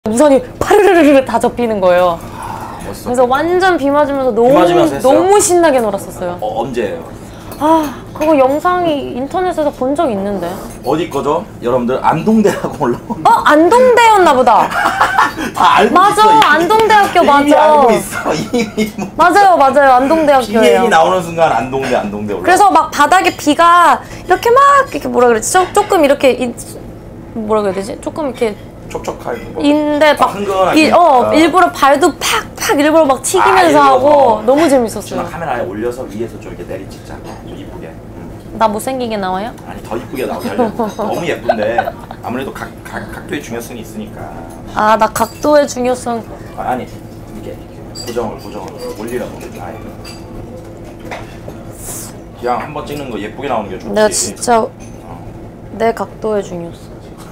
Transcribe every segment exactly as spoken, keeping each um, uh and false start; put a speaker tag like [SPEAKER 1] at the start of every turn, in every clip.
[SPEAKER 1] 우산이 파르르르르 다 접히는 거예요.
[SPEAKER 2] 아, 멋있어.
[SPEAKER 1] 그래서 완전 비 맞으면서 너무
[SPEAKER 2] 비 맞으면서
[SPEAKER 1] 너무 신나게 놀았었어요.
[SPEAKER 2] 어, 언제예요?
[SPEAKER 1] 아, 그거 영상이 인터넷에서 본 적 있는데.
[SPEAKER 2] 어디 거죠? 여러분들 안동대라고 올라온.
[SPEAKER 1] 어, 안동대였나 보다.
[SPEAKER 2] 다 알고
[SPEAKER 1] 맞아,
[SPEAKER 2] 있어. 이미.
[SPEAKER 1] 안동대학교 맞아.
[SPEAKER 2] 이미 알고 있어. 이미 뭐.
[SPEAKER 1] 맞아요, 맞아요. 안동대학교예요.
[SPEAKER 2] 비행이 나오는 순간 안동대, 안동대 올라.
[SPEAKER 1] 그래서 막 바닥에 비가 이렇게 막 이렇게 뭐라 그랬지? 조, 조금 이렇게 이, 뭐라 그래야 되지? 조금 이렇게
[SPEAKER 2] 촉촉하게. 뭐.
[SPEAKER 1] 인데 막
[SPEAKER 2] 흥건하게.
[SPEAKER 1] 이, 어, 일부러 발도 팍팍 일부러 막 튀기면서
[SPEAKER 2] 아,
[SPEAKER 1] 하고 너무 재밌었어요.
[SPEAKER 2] 카메라에 올려서 위에서 좀 이렇게 내리 찍자. 좀 이쁘게. 응.
[SPEAKER 1] 나 못생기게 나와요?
[SPEAKER 2] 아니 더 이쁘게 나오게 하려고. 너무 예쁜데 아무래도 각, 각, 각도의 중요성이 있으니까.
[SPEAKER 1] 아, 나 각도의 중요성.
[SPEAKER 2] 아, 아니 이게 고정을 고정을 올리라고. 아예. 그냥 한번 찍는 거 예쁘게 나오는 게 좋지.
[SPEAKER 1] 내가 진짜
[SPEAKER 2] 어.
[SPEAKER 1] 내 각도의 중요성.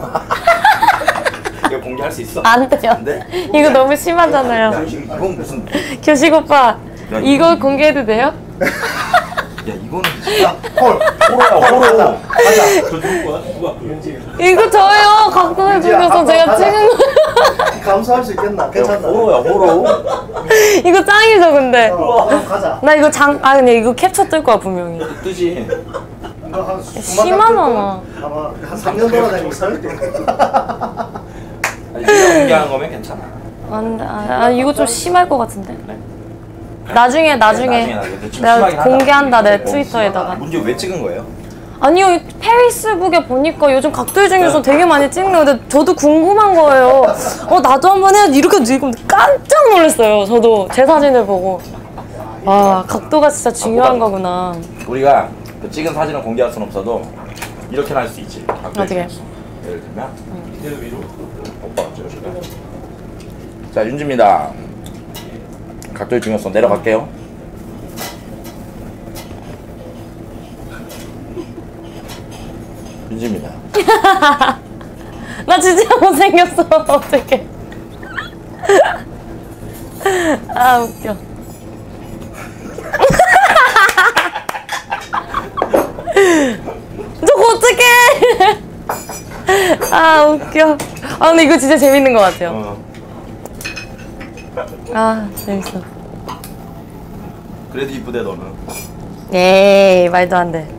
[SPEAKER 2] 이거 공개할 수 있어?
[SPEAKER 1] 안 돼요.
[SPEAKER 2] 안 돼?
[SPEAKER 1] 이거 너무 심하잖아요.
[SPEAKER 2] 야, 이건 무슨?
[SPEAKER 1] 교식 오빠,
[SPEAKER 2] 야,
[SPEAKER 1] 이거 이거 공개해도 돼요?
[SPEAKER 2] 야, 이거는 진짜 헐, 호로야, 호로. 가자. 저 누구 거야? 누가? 윤지.
[SPEAKER 1] 이거 저예요. 각도의 중요성 제가 찍은 거.
[SPEAKER 3] 감수할 수 있겠나? 괜찮다.
[SPEAKER 2] 호로야, 호로.
[SPEAKER 1] 이거 짱이죠, 근데.
[SPEAKER 3] 어, 가자.
[SPEAKER 1] 나 이거 장, 아, 근데 이거 캡처 뜰 거야, 분명히.
[SPEAKER 2] 뜨지.
[SPEAKER 3] 이거 한
[SPEAKER 1] 심하잖아.
[SPEAKER 3] 아마 한 삼 년 돌아다니고 살 때.
[SPEAKER 2] 아니, 이거 공개하는 거면 괜찮아.
[SPEAKER 1] 안 돼. 아, 아, 이거 좀 심할 것 같은데.
[SPEAKER 2] 그래?
[SPEAKER 1] 나중에, 나중에.
[SPEAKER 2] 나중에 나 이거 좀
[SPEAKER 1] 내가
[SPEAKER 2] 심하긴 하다.
[SPEAKER 1] 공개한다, 내
[SPEAKER 2] 어,
[SPEAKER 1] 트위터에다가.
[SPEAKER 2] 문제 왜 찍은 거예요?
[SPEAKER 1] 아니요, 페이스북에 보니까 요즘 각도의 중요성 되게 많이 찍는 건데 저도 궁금한 거예요. 어, 나도 한번 해야지. 이렇게 지금 깜짝 놀랐어요. 저도 제 사진을 보고. 와, 각도가 진짜 중요한 거구나.
[SPEAKER 2] 우리가 그 찍은 사진을 공개할 수는 없어도 이렇게는 할 수 있지.
[SPEAKER 1] 어떻게?
[SPEAKER 2] 예를 들면 이대로 위로 오빠가 찍어줄래? 자, 윤지입니다. 각도의 중요성 내려갈게요. 윤지입니다.
[SPEAKER 1] 나 진짜 못생겼어. 어떡해. 아, 웃겨. 저거 어떡해. 아, 웃겨. 아, 근데 이거 진짜 재밌는 것 같아요.
[SPEAKER 2] 어.
[SPEAKER 1] 아, 재밌어.
[SPEAKER 2] 그래도 이쁘대 너는.
[SPEAKER 1] 에이, 말도 안 돼.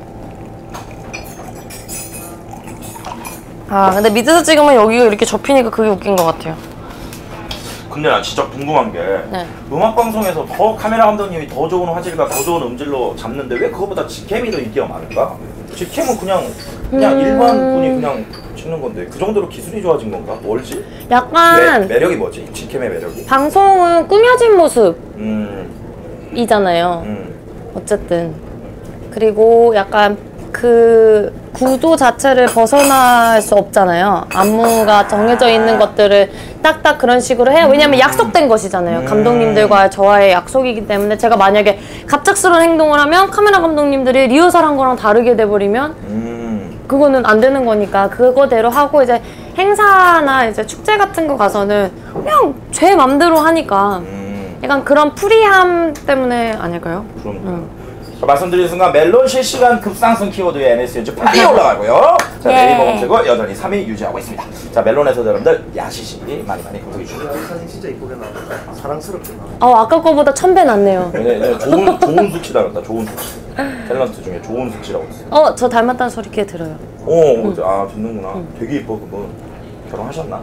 [SPEAKER 1] 아, 근데 밑에서 찍으면 여기가 이렇게 접히니까 그게 웃긴 것 같아요.
[SPEAKER 2] 근데 나 진짜 궁금한 게
[SPEAKER 1] 네.
[SPEAKER 2] 음악 방송에서 더 카메라 감독님이 더 좋은 화질과 더 좋은 음질로 잡는데 왜 그거보다 직캠이 더 인기가 많을까? 직캠은 그냥 그냥
[SPEAKER 1] 음...
[SPEAKER 2] 일반 분이 그냥 찍는 건데 그 정도로 기술이 좋아진 건가? 뭘지?
[SPEAKER 1] 약간
[SPEAKER 2] 매, 매력이 뭐지? 직캠의 매력이?
[SPEAKER 1] 방송은 꾸며진
[SPEAKER 2] 음,
[SPEAKER 1] 모습이잖아요.
[SPEAKER 2] 음.
[SPEAKER 1] 어쨌든. 그리고 약간 그 구도 자체를 벗어날 수 없잖아요. 안무가 정해져 있는 것들을 딱딱 그런 식으로 해요. 왜냐면 약속된 것이잖아요. 감독님들과 저와의 약속이기 때문에 제가 만약에 갑작스러운 행동을 하면 카메라 감독님들이 리허설한 거랑 다르게 돼버리면
[SPEAKER 2] 음.
[SPEAKER 1] 그거는 안 되는 거니까 그거대로 하고 이제 행사나 이제 축제 같은 거 가서는 그냥 제 맘대로 하니까
[SPEAKER 2] 음.
[SPEAKER 1] 약간 그런 프리함 때문에 아닐까요?
[SPEAKER 2] 그럼.
[SPEAKER 1] 음.
[SPEAKER 2] 자, 말씀드린 순간 멜론 실시간 급상승 키워드의 엠에스엔지 빨리 올라가고요. 자,
[SPEAKER 1] 예.
[SPEAKER 2] 네이버 검색어 여전히 삼 위 유지하고 있습니다. 자, 멜론에서 여러분들 야시시 많이 많이 구독해 주시고요.
[SPEAKER 3] 이 사진 진짜 이쁘게 나왔다. 사랑스럽게 나왔다.
[SPEAKER 1] 어, 아까 거보다 천 배 낫네요.
[SPEAKER 2] 네, 네, 좋은 좋은 수치 닮았다. 좋은 수치. 탤런트 중에 좋은 수치라고 있어요.
[SPEAKER 1] 어, 저 닮았다는 소리 꽤 들어요.
[SPEAKER 2] 오, 응. 아 듣는구나. 응. 되게 예뻐. 그분 결혼하셨나?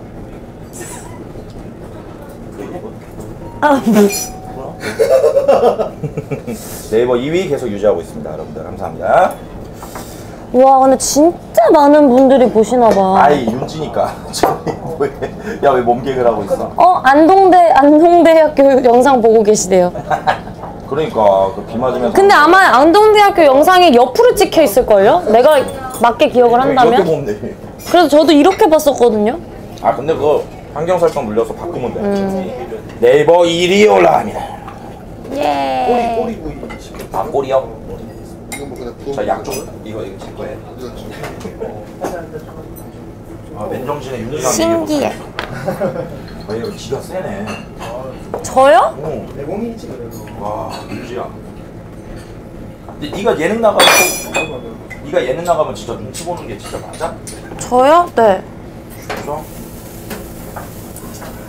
[SPEAKER 2] 되게 예뻐.
[SPEAKER 1] 아,
[SPEAKER 2] 네이버 이 위 계속 유지하고 있습니다. 여러분들 감사합니다.
[SPEAKER 1] 와, 근데 진짜 많은 분들이 보시나 봐.
[SPEAKER 2] 아이 윤지니까. 야, 왜 몸개그를 하고 있어?
[SPEAKER 1] 어, 안동대 안동대학교 영상 보고 계시대요.
[SPEAKER 2] 그러니까 그 비 맞으면서.
[SPEAKER 1] 근데 아마 안동대학교 영상이 옆으로 찍혀 있을걸요? 내가 맞게 기억을
[SPEAKER 2] 이렇게
[SPEAKER 1] 한다면?
[SPEAKER 2] 보면 돼.
[SPEAKER 1] 그래서 저도 이렇게 봤었거든요.
[SPEAKER 2] 아 근데 그거 환경 설정 눌려서 바꾸면 돼. 음. 네이버 일 위에 올라갑니다.
[SPEAKER 1] 예.
[SPEAKER 3] 꼬리 꼬리 구이 시켜.
[SPEAKER 2] 아 꼬리요?
[SPEAKER 3] 이거 뭐 그냥 구워.
[SPEAKER 2] 자 양쪽 이거 이거 제 거예요. 아 맨정신에 윤지가
[SPEAKER 1] 신기해.
[SPEAKER 2] 아 이거 기가 세네.
[SPEAKER 1] 저요?
[SPEAKER 2] 어.
[SPEAKER 3] 내공이지 그래도.
[SPEAKER 2] 와 윤지야. 근데 네가 예능 나가면 네가 예능 나가면 진짜 눈치 보는 게 진짜 맞아?
[SPEAKER 1] 저요? 네.
[SPEAKER 2] 그죠?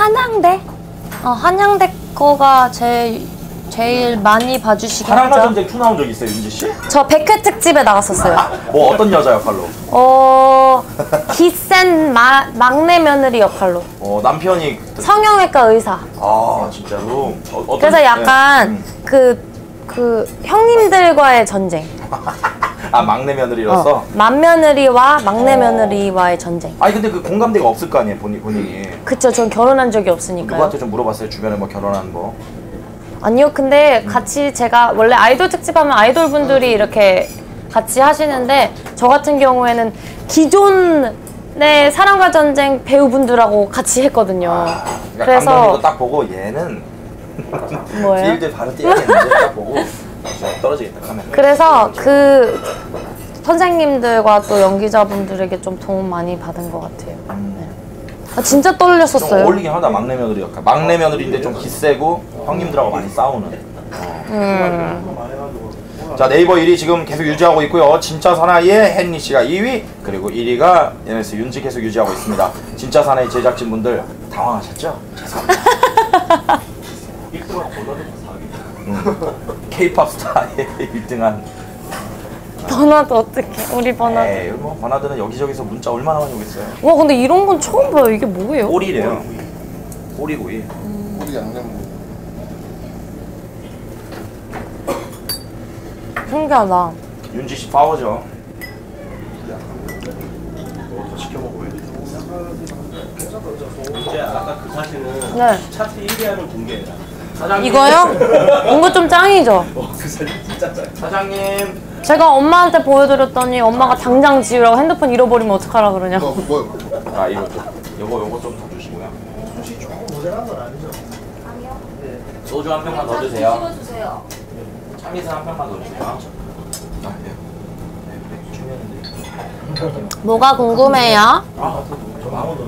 [SPEAKER 1] 한양대? 어, 한양대 거가 제일 제일 많이 봐주시긴
[SPEAKER 2] 사랑과
[SPEAKER 1] 하죠.
[SPEAKER 2] 전쟁 투 나온 적 있어요, 윤지 씨?
[SPEAKER 1] 저 백 회 특집에 나갔었어요.
[SPEAKER 2] 뭐 어떤 여자 역할로?
[SPEAKER 1] 어, 기센 마, 막내 며느리 역할로.
[SPEAKER 2] 어 남편이
[SPEAKER 1] 성형외과 의사.
[SPEAKER 2] 아 진짜로? 어, 어떤-
[SPEAKER 1] 그래서 약간
[SPEAKER 2] 네. 음.
[SPEAKER 1] 그, 그 형님들과의 전쟁.
[SPEAKER 2] 아 막내 며느리로서?
[SPEAKER 1] 어, 맏며느리와 막내
[SPEAKER 2] 어.
[SPEAKER 1] 며느리와의 전쟁.
[SPEAKER 2] 아니 근데 그 공감대가 없을 거 아니에요, 본인, 본인이.
[SPEAKER 1] 그쵸, 전 결혼한 적이 없으니까요.
[SPEAKER 2] 누구한테 좀 물어봤어요, 주변에 뭐 결혼한 거?
[SPEAKER 1] 아니요, 근데 같이 제가 원래 아이돌 특집하면 아이돌 분들이 이렇게 같이 하시는데 저 같은 경우에는 기존의 사랑과 전쟁 배우분들하고 같이 했거든요.
[SPEAKER 2] 아, 그러니까
[SPEAKER 1] 그래서
[SPEAKER 2] 감독님도 딱 보고 얘는
[SPEAKER 1] 뭐예요?
[SPEAKER 2] 필드 바로 뛰어야겠는데 딱 보고 저 떨어지겠다 하면.
[SPEAKER 1] 그래서 그 선생님들과 또 연기자분들에게 좀 도움 많이 받은 것 같아요. 네. 아, 진짜
[SPEAKER 2] 좀
[SPEAKER 1] 떨렸었어요.
[SPEAKER 2] 어울리긴 하다, 막내 며느리 역할. 막내 며느리인데 좀 기세고 형님들하고 많이 싸우는. 어.
[SPEAKER 1] 음.
[SPEAKER 2] 자, 네이버 일 위 지금 계속 유지하고 있고요. 진짜 사나이의 헨리 씨가 이 위, 그리고 일 위가 엔에스 윤지 계속 유지하고 있습니다. 진짜 사나이 제작진분들 당황하셨죠? 죄송합니다. K-팝 스타의 일 등한
[SPEAKER 1] 버나드 어떡해, 우리 버나드.
[SPEAKER 2] 에이, 뭐 버나드는 여기저기서 문자 얼마나 많이 오겠어요.
[SPEAKER 1] 와, 근데 이런 건 처음 봐요. 이게 뭐예요?
[SPEAKER 2] 꼬리래요. 꼬리구이.
[SPEAKER 3] 우리 양념
[SPEAKER 1] 신기하다.
[SPEAKER 2] 윤지 씨 파워죠.
[SPEAKER 4] 이제 아까 그 사진은
[SPEAKER 1] 네.
[SPEAKER 4] 차트 일 위 하는 공개예요.
[SPEAKER 1] 이거요? 이거 좀 짱이죠?
[SPEAKER 4] 어, 그 사진 진짜 짱.
[SPEAKER 2] 사장님.
[SPEAKER 1] 제가 엄마한테 보여드렸더니 엄마가 당장 지우라고 핸드폰 잃어버리면 어떡하라 그러냐.
[SPEAKER 3] 뭐 뭐?
[SPEAKER 2] 아 이거 좀, 요거 요거 좀 더 주시고요.
[SPEAKER 3] 혹시 조금 모자란 건 아니죠?
[SPEAKER 2] 소주 한 병만 더 드세요.
[SPEAKER 5] 주세요.
[SPEAKER 2] 참이슬 한 병만 더 주세요. 아 예. 네, 네, 중요한데.
[SPEAKER 1] 뭐가 궁금해요?
[SPEAKER 2] 아, 저 아무도.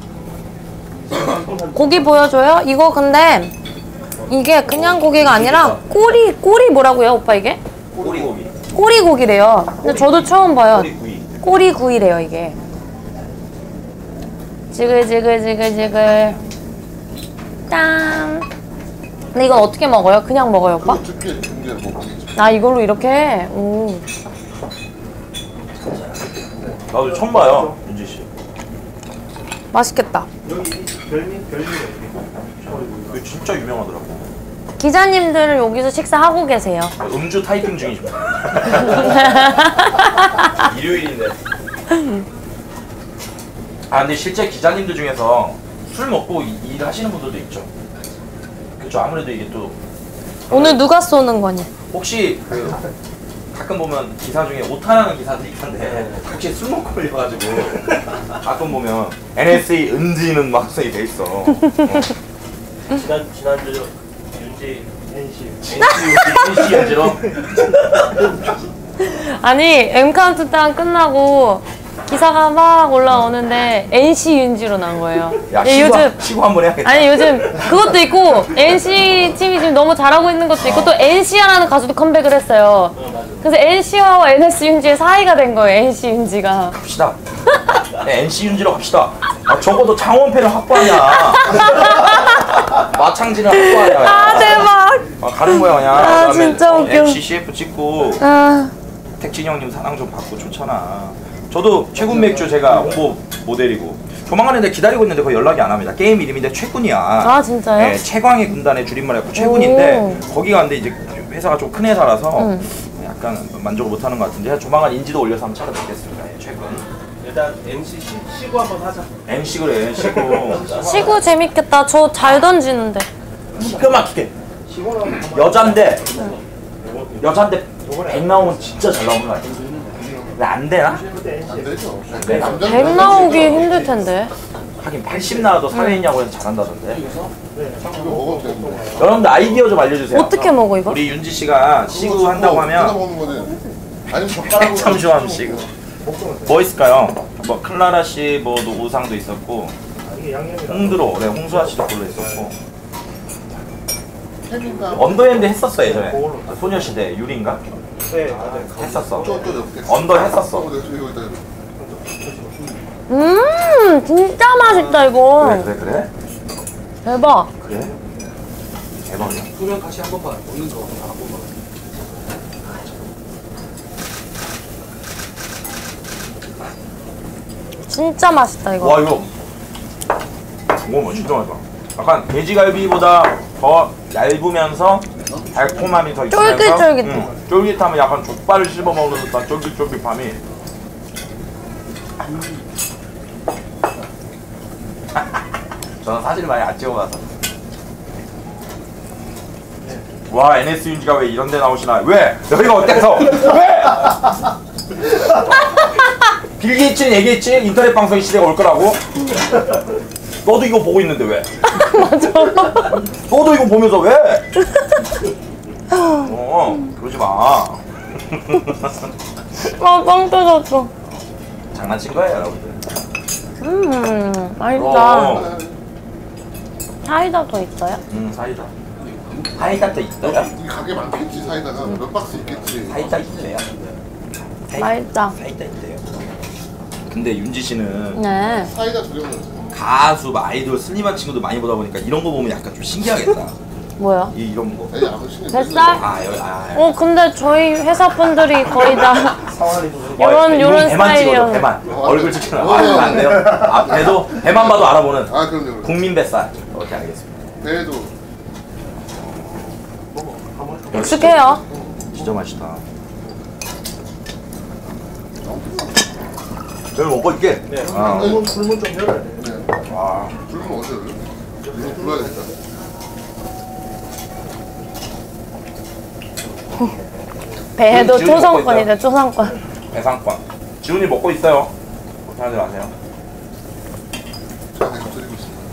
[SPEAKER 1] 고기 보여줘요? 이거 근데 이게 그냥 고기가 아니라 꼬리, 꼬리 뭐라고요, 오빠 이게?
[SPEAKER 2] 꼬리고기.
[SPEAKER 1] 꼬리 고기래요. 근데 저도 처음 봐요.
[SPEAKER 2] 꼬리구이.
[SPEAKER 1] 꼬리 구이래요, 이게. 지글지글지글지글. 짠. 근데 이건 어떻게 먹어요? 그냥 먹어요, 오빠?
[SPEAKER 3] 그거 두께 두개 먹겠죠.
[SPEAKER 1] 아, 이걸로 이렇게? 오.
[SPEAKER 2] 나도 처음 봐요, 윤지 씨.
[SPEAKER 1] 맛있겠다.
[SPEAKER 4] 여기 별미 별미가 이렇게.
[SPEAKER 2] 이거 진짜 유명하더라고.
[SPEAKER 1] 기자님들은 여기서 식사하고 계세요.
[SPEAKER 2] 음주 타이핑 중이십니다. 일요일인데. 아 근데 실제 기자님들 중에서 술 먹고 이- 일하시는 분들도 있죠. 그렇죠. 아무래도 이게 또
[SPEAKER 1] 오늘 누가 쏘는 거니?
[SPEAKER 2] 혹시 그 가끔 보면 기사 중에 오타나는 기사들이 있던데 혹시 술 먹고 걸려가지고 가끔 보면 엔에스에이 은지는 막 써이 돼 있어. 어.
[SPEAKER 4] 지난 지난주 윤지 엔씨
[SPEAKER 2] 엔씨 연지로.
[SPEAKER 1] 아니, M 카운트다운 끝나고 기사가 막 올라오는데 엔씨 윤지로 난 거예요.
[SPEAKER 2] 야
[SPEAKER 1] 예,
[SPEAKER 2] 시구,
[SPEAKER 1] 요즘
[SPEAKER 2] 시구 한번 해야겠다.
[SPEAKER 1] 아니 요즘 그것도 있고 엔씨 팀이 지금 너무 잘하고 있는 것도 있고 또 엔씨아라는 가수도 컴백을 했어요. 그래서 엔씨아와 엔에스 윤지의 사이가 된 거예요. 엔씨 윤지가.
[SPEAKER 2] 갑시다. 네, 엔씨 윤지로 갑시다. 아, 적어도 창원패를 확보하냐. 마창진을 확보하냐.
[SPEAKER 1] 아 대박.
[SPEAKER 2] 아, 가는 거야 그냥.
[SPEAKER 1] 아,
[SPEAKER 2] 그다음에
[SPEAKER 1] 진짜 웃겨.
[SPEAKER 2] 엠씨 씨에프 찍고
[SPEAKER 1] 아
[SPEAKER 2] 택진 형님 사랑 좀 받고 좋잖아. 저도 최군 맥주 제가 홍보 모델이고 조만간에 내가 기다리고 있는데 거의 연락이 안 합니다. 게임 이름인데 최군이야.
[SPEAKER 1] 아, 진짜요?
[SPEAKER 2] 네, 최광의 군단의 줄임말 해갖고 최군인데 거기가 근데 이제 회사가 좀 큰 회사라서
[SPEAKER 1] 응.
[SPEAKER 2] 약간 만족을 못하는 것 같은데 조만간 인지도 올려서 한번 찾아뵙겠습니다. 예, 최군.
[SPEAKER 4] 일단 엠씨 시, 시구 한번 하자.
[SPEAKER 2] 엠씨 그래 시고
[SPEAKER 1] 시구 재밌겠다. 저 잘 던지는데.
[SPEAKER 2] 기가 막히게 여잔데 여잔데 백 나오면 진짜 잘 나오는 거 같아. 근데 안 되나?
[SPEAKER 3] 안 되죠.
[SPEAKER 2] 네.
[SPEAKER 1] 백 나오기 힘들 텐데.
[SPEAKER 2] 하긴 팔십 나와도 사회인이라고 해서 잘한다던데.
[SPEAKER 3] 이거 먹어도 되는데.
[SPEAKER 2] 여러분들 아이디어 좀 알려주세요.
[SPEAKER 1] 어떻게 먹어 이거?
[SPEAKER 2] 우리 윤지 씨가 시구 한다고
[SPEAKER 3] 뜯어
[SPEAKER 2] 하면
[SPEAKER 3] 먹는 거지. 아니면 젓가락으로.
[SPEAKER 2] 참좋아하면 시구. 뭐 있을까요? 뭐 클라라 씨 뭐 오상도 있었고
[SPEAKER 4] 이게 양념이
[SPEAKER 2] 홍드로 네 홍수아 씨도 골로 있었고
[SPEAKER 3] 햄인가?
[SPEAKER 2] 언더핸드 했었어 예전에. 소녀시대 유리인가?
[SPEAKER 4] 네, 맞아요.
[SPEAKER 2] 했었어.
[SPEAKER 3] 저또 이렇게.
[SPEAKER 2] 언더 했었어.
[SPEAKER 3] 어, 내가 이거 이따.
[SPEAKER 1] 음 진짜 맛있다 이거.
[SPEAKER 2] 그래 그래 그래.
[SPEAKER 1] 대박.
[SPEAKER 2] 그래? 대박이야.
[SPEAKER 5] 그러면 같이 한 번만 먹는 거 한 번만.
[SPEAKER 1] 진짜 맛있다 이거.
[SPEAKER 2] 와 이거 오 진짜 맛있다. 약간 돼지갈비보다 더 얇으면서 달콤함이 더 있으면서
[SPEAKER 1] 쫄깃쫄깃해.
[SPEAKER 2] 음, 쫄깃하면 약간 족발을 씹어 먹는 듯한 쫄깃쫄깃함이 저는 사실 많이 안 찍어봐서 와 엔에스 윤지가 왜 이런 데 나오시나 왜? 여기가 어때서? 왜? 빌 게이츠는 얘기했지 인터넷 방송 시대가 올 거라고. 너도 이거 보고 있는데 왜? 너도 이거 보면서 왜? 어 그러지 마.
[SPEAKER 1] 아, 빵 터졌어.
[SPEAKER 2] 장난친 거예요 여러분들.
[SPEAKER 1] 음, 맛있다.
[SPEAKER 2] 어.
[SPEAKER 1] 사이다 더 있어요?
[SPEAKER 2] 음 사이다. 사이다 또 있어요?
[SPEAKER 3] 이 가게 많겠지 사이다가 몇 박스 있겠지.
[SPEAKER 2] 사이다 있네요.
[SPEAKER 1] 맛있다.
[SPEAKER 2] 사이다 있대요. 근데 윤지 씨는
[SPEAKER 1] 네.
[SPEAKER 3] 사이다 두 병은
[SPEAKER 2] 가수, 막 아이돌, 슬림한 친구들 많이 보다 보니까 이런 거 보면 약간 좀 신기하겠다.
[SPEAKER 1] 뭐야?
[SPEAKER 2] 이 이런 거.
[SPEAKER 3] 에이 아무 신경
[SPEAKER 1] 뱃살?
[SPEAKER 2] 아 여기 아.
[SPEAKER 1] 어, 근데 저희 회사 분들이 거의 다 요런-
[SPEAKER 2] 어,
[SPEAKER 1] 요런
[SPEAKER 2] 배만 찍어줘
[SPEAKER 1] 스타일이요.
[SPEAKER 2] 배만.
[SPEAKER 3] 어,
[SPEAKER 2] 얼굴 찍히는 아 이거 안 돼요? 아 배도 배만 봐도 알아보는
[SPEAKER 3] 아 그럼요. 그럼요.
[SPEAKER 2] 국민 뱃살. 오케이 알겠습니다.
[SPEAKER 3] 배에도
[SPEAKER 1] 익숙해요.
[SPEAKER 2] 진짜 맛있다. 여기 먹고 있게.
[SPEAKER 4] 네.
[SPEAKER 2] 아.
[SPEAKER 4] 불문 불문 좀 열어야 돼.
[SPEAKER 3] 네.
[SPEAKER 2] 와.
[SPEAKER 3] 불면 어디서 열려? 이거 불러야 되겠다.
[SPEAKER 1] 배도
[SPEAKER 2] 지금 먹고
[SPEAKER 1] 초상권이래, 초상권.
[SPEAKER 2] 배상권. 지훈이 먹고 있어요. 걱정하지 마세요.
[SPEAKER 3] 제가 계속 드리고 있습니다.